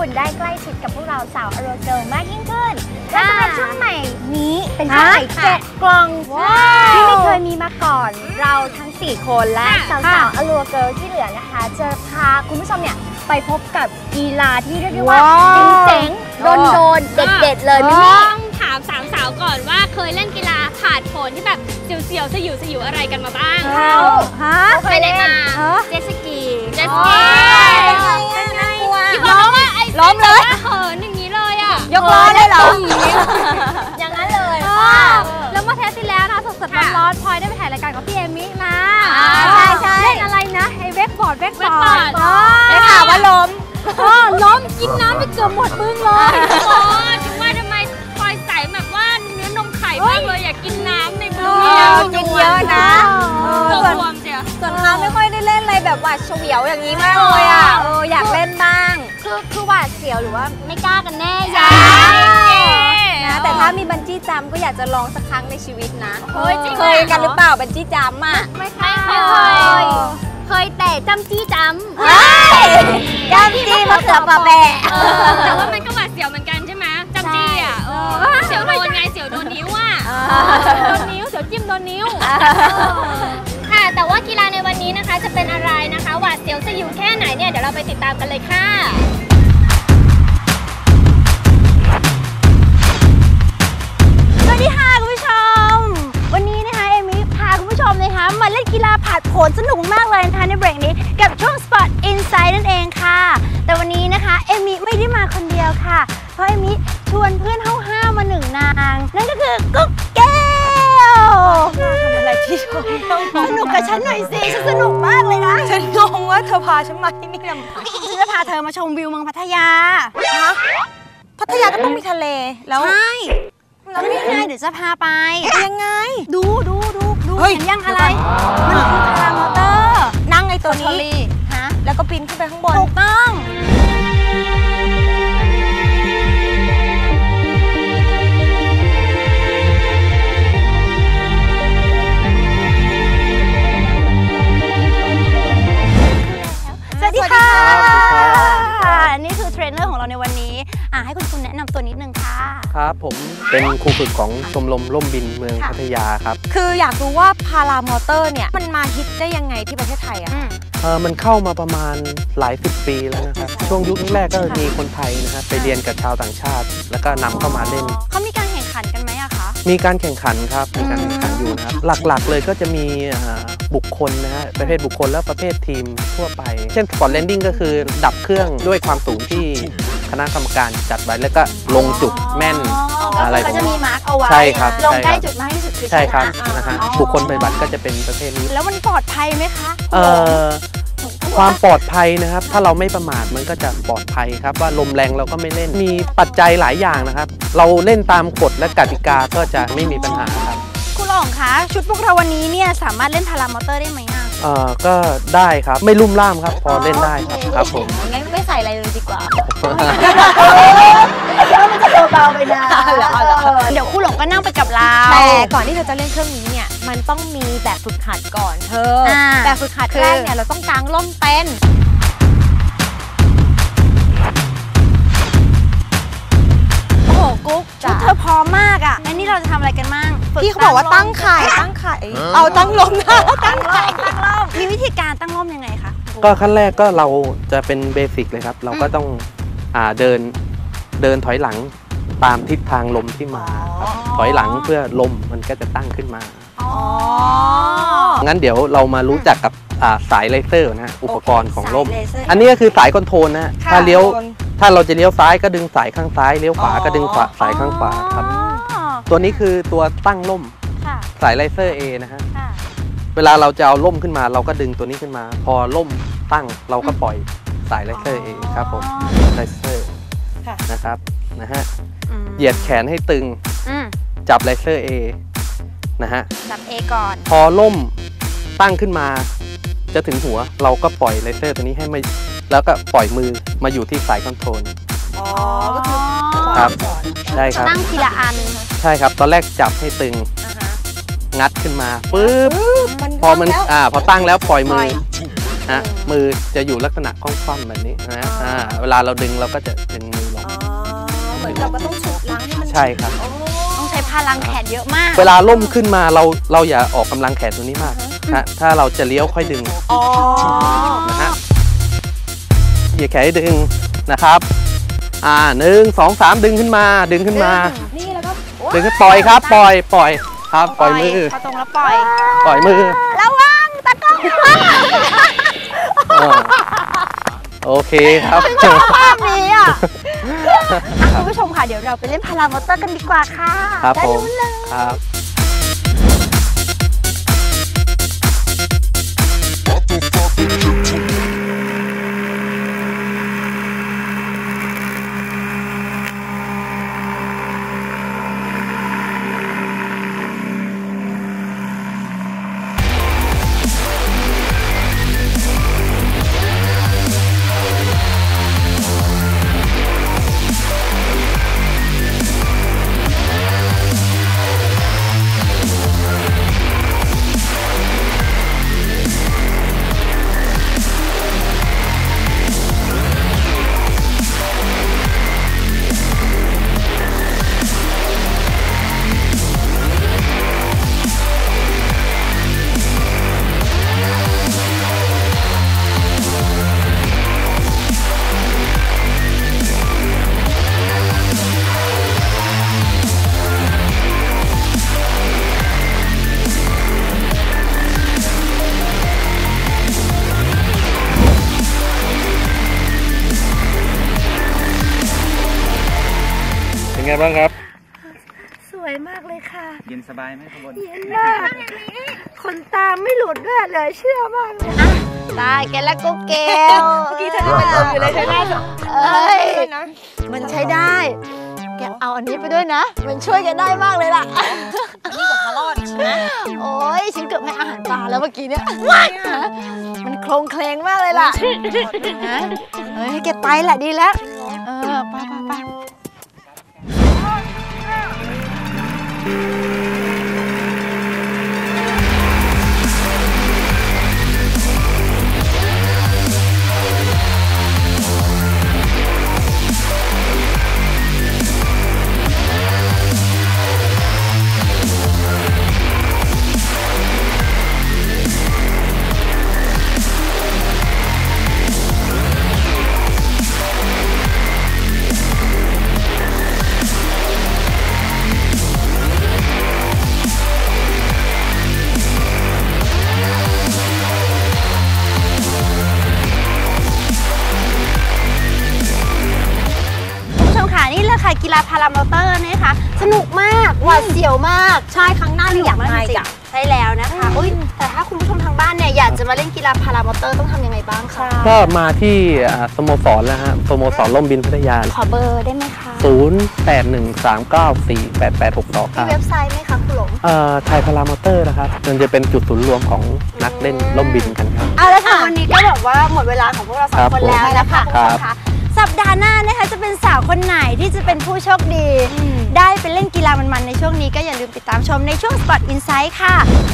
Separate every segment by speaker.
Speaker 1: คนได้ใกล้ชิดกับพวกเราสาวอโรเกิลมากยิ่งขึ้นและสำหรับช่วงใหม่นี้เป็นช่วงใหม่7 กล่องที่ไม่เคยมีมาก่อนเราทั้ง4 คนและสาวอโรเกิลที่เหลือนะคะจะพาคุณผู้ชมเนี่ยไปพบกับกีฬาที่เรียกได้ว่าเจ๋งๆโดนเด็ดๆเลยมิมี่
Speaker 2: ต้องถาม3 สาวก่อนว่าเคยเล่นกีฬาผาดโผนที่แบบเสียวๆสยิวอะไรกันมาบ้าง
Speaker 1: เคยเล่นมา
Speaker 2: เจ็ตสกีเป็นไงที่บอกว่าไอ้ล้มเลยเหินอย่างนี้เลยอ่ะ
Speaker 1: ยกล้อได้เหรออย่างนั้นเลย
Speaker 3: แล้วเมื่อเทปที่แล้วนะสดๆร้อนๆพลอยได้ไปถ่ายรายการกับพี่เอมิมา
Speaker 1: ใช่
Speaker 3: เล่นอะไรนะไอ้เวกบอร์ด
Speaker 1: ได้ข่าวว่าล้ม
Speaker 3: กินน้ำไปเกือบหมดบึ้งเลย
Speaker 2: ถึงว่าทำไมพลอยใส่แบบว่าเนื้อนมไข่มากเลยอยากกินน้ำในมือ
Speaker 1: กินเยอะนะ
Speaker 2: ส่วน
Speaker 1: เขาไม่ค่อยได้เล่นอะไรแบบหวาดเฉวียวอย่างนี้มากเลยอ่ะอยากเล่นบ้างคือหวาดเสียวหรือว่าไม่กล้ากันแน่นะแต่ถ้ามีบันจี้จัมก็อยากจะลองสักครั้งในชีวิตนะเคยกันหรือเปล่าบันจี้จัมอ่ะ
Speaker 2: ไม่เคยแต่จำจี้จำ
Speaker 1: จี้มะเขือปะแบะ
Speaker 2: แต่ว่ามันก็หวาดเสียวเหมือนกันใช่ไหมจำจี้อ่ะเสียวโดนไงเสียวโดนนิ้วอ่ะ
Speaker 3: โดนนิ้วเสียวจิ้มโดนนิ้ว
Speaker 2: ค่ะแต่ว่ากีฬาในวันนี้นะคะจะเป็นอะไรนะคะหวาดเสียวสยิวแค่ไหนเนี่ยเดี๋ยวเราไปติดตามกันเลยค่ะ
Speaker 1: สวัสดีค่ะคุณผู้ชมวันนี้นะคะเอมิพาคุณผู้ชมนะคะมาเล่นกีฬาผาดโผนสนุกมากเลยนะคะในเบรกนี้กับช่วง Spot Insight นั่นเองค่ะแต่วันนี้นะคะเอมิไม่ได้มาคนเดียวค่ะเพราะเอมิชวนเพื่อนห้าวๆมา1 นางนั่นก็คือกุ๊กแก้วทำอะไรที่ชมสนุกกับฉันหน่อยสิฉันสนุกมากเลยนะ
Speaker 3: ฉันงงว่าเธอพาฉันมาที่นี่ทำไม
Speaker 1: ฉันจะพาเธอมาชมวิวเมืองพัทยา
Speaker 3: พัทยาก็ต้องมีทะเลแล้ว
Speaker 1: ใช่แล้วนี่ไงเดี๋ยวจะพาไป
Speaker 3: ยังไง
Speaker 1: ดูเห็นยังอะไรมันคือพารามอเตอร์
Speaker 3: นั่งไอ้ตัวนี้แล้วก็ปีนขึ้นไปข้างบน
Speaker 1: ถูกต้องสวัสดีค่ะนี่คือเทรนเนอร์ของเราในวันนี้ให้คุณแนะนำตัวนิดนึงค่ะ
Speaker 4: ครับผมเป็นครูฝึกของชมรมร่มบินเมืองพัทยาครับ
Speaker 3: คืออยากรู้ว่าพารามอเตอร์เนี่ยมันมาฮิตได้ยังไงที่ประเทศไทย
Speaker 4: มันเข้ามาประมาณหลาย10 ปีแล้วนะครับช่วงยุคแรกก็มีคนไทยนะครับไปเรียนกับชาวต่างชาติแล้วก็นำเข้ามาเล่น
Speaker 1: เขามีการแข่งขันกันไหมอะคะ
Speaker 4: มีการแข่งขันครับมีการแข่งขันอยู่นะครับหลักๆเลยก็จะมีบุคคลนะฮะประเภทบุคคลและประเภททีมทั่วไปเช่นสปอร์ตแลนดิ้งก็คือดับเครื่องด้วยความสูงที่คณะกรรมการจัดไว้แล้วก็ลงจุดแม่นอะไร
Speaker 1: ก็จะมีมาร์กเอาไว้
Speaker 4: ใช่ครับ
Speaker 1: ลงใกล้จุดมากที่สุดคือ
Speaker 4: ใช่ครับนะฮะบุคคลปฏิบัติก็จะเป็นประเภทนี้
Speaker 1: แล้วมันปลอดภัยไหมคะ
Speaker 4: ความปลอดภัยนะครับถ้าเราไม่ประมาทมันก็จะปลอดภัยครับว่าลมแรงเราก็ไม่เล่นมีปัจจัยหลายอย่างนะครับเราเล่นตามกฎและกติกาก็จะไม่มีปัญหาครับ
Speaker 1: คุณหลองคะชุดพวกเราวันนี้เนี่ยสามารถเล่นพารามอเตอร์ได้ไหม
Speaker 4: ก็ได้ครับไม่ลุ่มล่ามครับพอเล่นได้ครับผม
Speaker 1: งั้นไม่ใส่อะไรเลยดีกว่าแล้วมันจะเบาไปนะเดี๋ยวคุณหลงก็นั่งไปกับเรา
Speaker 3: แต่ก่อนที่เธอจะเล่นเครื่องนี้เนี่ยมันต้องมีแบบฝึกหัดก่อนเธอแบบฝึกหัดแรกเนี่ยเราต้องกางร่มเต้น
Speaker 1: โอ้โหกุ๊กชุดเธอพร้อมมากอ่ะงั้นนี่เราจะทำอะไรกันบ้าง
Speaker 3: พี่เขาบอกว่าตั้งไข่เอาตั้งร่มนะ
Speaker 1: ตั้งร่มมีวิธีการตั้งร่มยังไงคะ
Speaker 4: ก็ขั้นแรกก็เราจะเป็นเบสิกเลยครับเราก็ต้องเดินถอยหลังตามทิศทางลมที่มาถอยหลังเพื่อลมมันก็จะตั้งขึ้นมางั้นเดี๋ยวเรามารู้จักกับสายเลเซอร์นะอุปกรณ์ของลมอันนี้ก็คือสายคอนโทรลนะถ้าเราจะเลี้ยวซ้ายก็ดึงสายข้างซ้ายเลี้ยวขวาก็ดึงสายข้างขวาครับตัวนี้คือตัวตั้งล่มสายเลเซอร์ A นะฮะเวลาเราจะเอาล่มขึ้นมาเราก็ดึงตัวนี้ขึ้นมาพอล่มตั้งเราก็ปล่อยสายเลเซอร์ A ครับผมเลเซอร์นะครับนะฮะเหยียดแขนให้ตึงจับเลเซอร์ A นะฮะ
Speaker 1: จับ A ก่อน
Speaker 4: พอล่มตั้งขึ้นมาจะถึงหัวเราก็ปล่อยเลเซอร์ตัวนี้ให้มาแล้วก็ปล่อยมือมาอยู่ที่สายคอนโทรล
Speaker 3: ก็คือ
Speaker 4: ครับใช่ครับ
Speaker 1: ตั้งทีละอัน
Speaker 4: ใช่ครับตอนแรกจับให้ตึงงัดขึ้นมาปึ๊บพอมันพอตั้งแล้วปล่อยมือนะมือจะอยู่ลักษณะคว่ำๆแบบนี้นะเวลาเราดึงเราก็จะดึงมือลง
Speaker 1: เหมือนเราก็ต้องฉุดล้างให้มัน
Speaker 4: ใช่ครับ
Speaker 1: ต้องใช้พลังแขนเยอะมาก
Speaker 4: เวลาล่มขึ้นมาเราอย่าออกกำลังแขนตัวนี้มากนะถ้าเราจะเลี้ยวค่อยดึงนะฮะเหยียดแขนให้ดึงนะครับ1 2 3ดึงขึ้นมานี่แล้วก็ดึงขึ้นปล่อยครับปล่อยครับปล่อยมือ
Speaker 1: พอตรงแล้วปล่
Speaker 4: อยมือ
Speaker 1: ระวังตะกล้อง
Speaker 4: โอเคครับ
Speaker 1: ชอบภาพนี้คุณผู้ชมค่ะเดี๋ยวเราไปเล่นพารามอเตอร์กันดีกว่าค่ะ
Speaker 4: ครับผมครับไงบ้างครับ
Speaker 1: สวยมากเลยค่ะ
Speaker 5: เย็นสบายไหมข้างบน
Speaker 1: เย็นมากขนตาไม่หลุดด้วยเลยเชื่อมากเลยได้แกและกุ๊กเกลเมื่อกี้เธอเป็นลมอยู่เลยใช่ไหมมันใช้ได้แกเอาอันนี้ไปด้วยนะมันช่วยกันได้มากเลยล่ะนี่กับคารอดใช่ไหมโอ้ยฉันเกือบให้อาหารปลาแล้วเมื่อกี้เนี่ยมันโครงเคลงมากเลยล่ะเฮ้ยแกไปแหละดีแล้วไปกีฬาพารามอเตอร์นะคะสนุกมากหวาดเสียวมากใช่ครั้งหน้าอยากมาอีกใช่แล้วนะคะแต่ถ้าคุณผู้ชมทางบ้านเนี่ยอยากจะมาเล่นกีฬาพารามอเตอร์ต้องทำยังไงบ้างคะ
Speaker 4: ก็มาที่สโมสรแล้วฮะสโมสรล่มบินพัทยา
Speaker 1: ขอเบอร์ได้ไหมคะ
Speaker 4: 0813948862
Speaker 1: มีเว็บไซต์ไหมคะคุณหลง
Speaker 4: ไทยพารามอเตอร์นะครับมันจะเป็นจุดศูนย์รวมของนักเล่นล่มบินกันครับ
Speaker 1: แล้วค่ะวันนี้ก็แบบว่าหมดเวลาของพวกเราสองคนแล้วนะคะคุณผู้ชมคะสัปดาห์หน้านะคะจะเป็นสาวคนไหนที่จะเป็นผู้โชคดีได้ไปเล่นกีฬามันๆในช่วงนี้ก็อย่าลืมติดตามชมในช่วง Spot Insight ค่ะ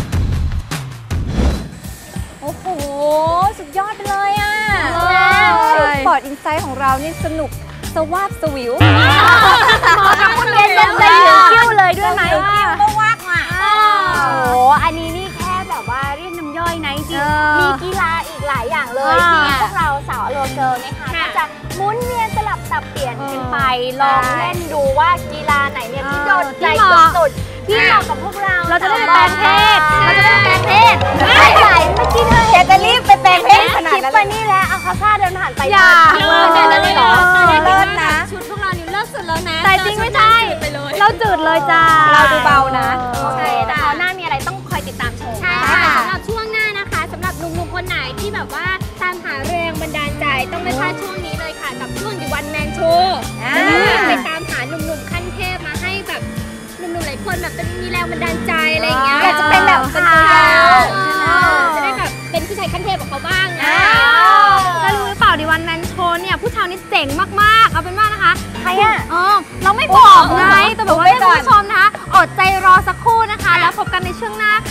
Speaker 3: โอ้โหสุดยอดไปเลยSpot Insight ของเรานี่สนุกสวาบสวิว
Speaker 1: หมอกับคุณเล่นได้เหลือคิ้วเลยด้วยไหม
Speaker 3: ก็วากว่ะ
Speaker 1: โอ้อันนี้นี่แค่แบบว่าเรียกน้ำย่อยนะจริงมีกีฬาอีกหลายอย่างเลยที่พวกเราสาวโลเกิร์ลนะคะก็จะหมุนเวียนสลับสับเปลี่ยนกันไปลองเล่นดูว่ากีฬาไหนเนี่ยที่โดนใจสุดๆที่เหมาะกับพวกเรา
Speaker 3: จะได้แปลงเพศ
Speaker 1: ไม่ไหวเมื่อกี้เธออยากจะรีบไปแปลงเพศขนาดนั้นคิดไปนี่แล้วเอาเขาท่าเดินผ่านไป
Speaker 3: อย่าเลิศนะ
Speaker 2: ชุดพวกเรานี่เลิศสุดแล้วนะ
Speaker 3: แต่จริงไม่ใช่เราจืดเลยจ้า
Speaker 1: เราดูเบานะ
Speaker 2: ใช่แต่คราวหน้ามีอะไรต้องคอยติดตามชมใช่สำหรับช่วงหน้านะคะสำหรับหนุ่มๆคนไหนที่แบบว่าตามหาแรงบันดาลใจต้องไม่พลาดช่วงนี้เลยค่ะกับช่วง The One Man Show ไปตามหาหนุ่มๆขั้นเทพมาให้แบบหนุ่มๆหลายคนแบบจะมีแรงบันดาลใจอะไรอย่างเงี้ย
Speaker 1: อยากจะเป็นแบบเขา
Speaker 2: จะได้แบบเป็นผู้ชายขั้นเทพของเขาบ้างนะ
Speaker 3: แล้วรู้หรือเปล่าThe One Man Showเนี่ยผู้ชายนี่เจ๋งมากๆเอาเป็นว่านะคะ
Speaker 1: ใครอ่ะ
Speaker 3: เราไม่บอกไงแต่แบบว่าให้คุณผู้ชมนะคะอดใจรอสักครู่นะคะแล้วพบกันในช่วงหน้า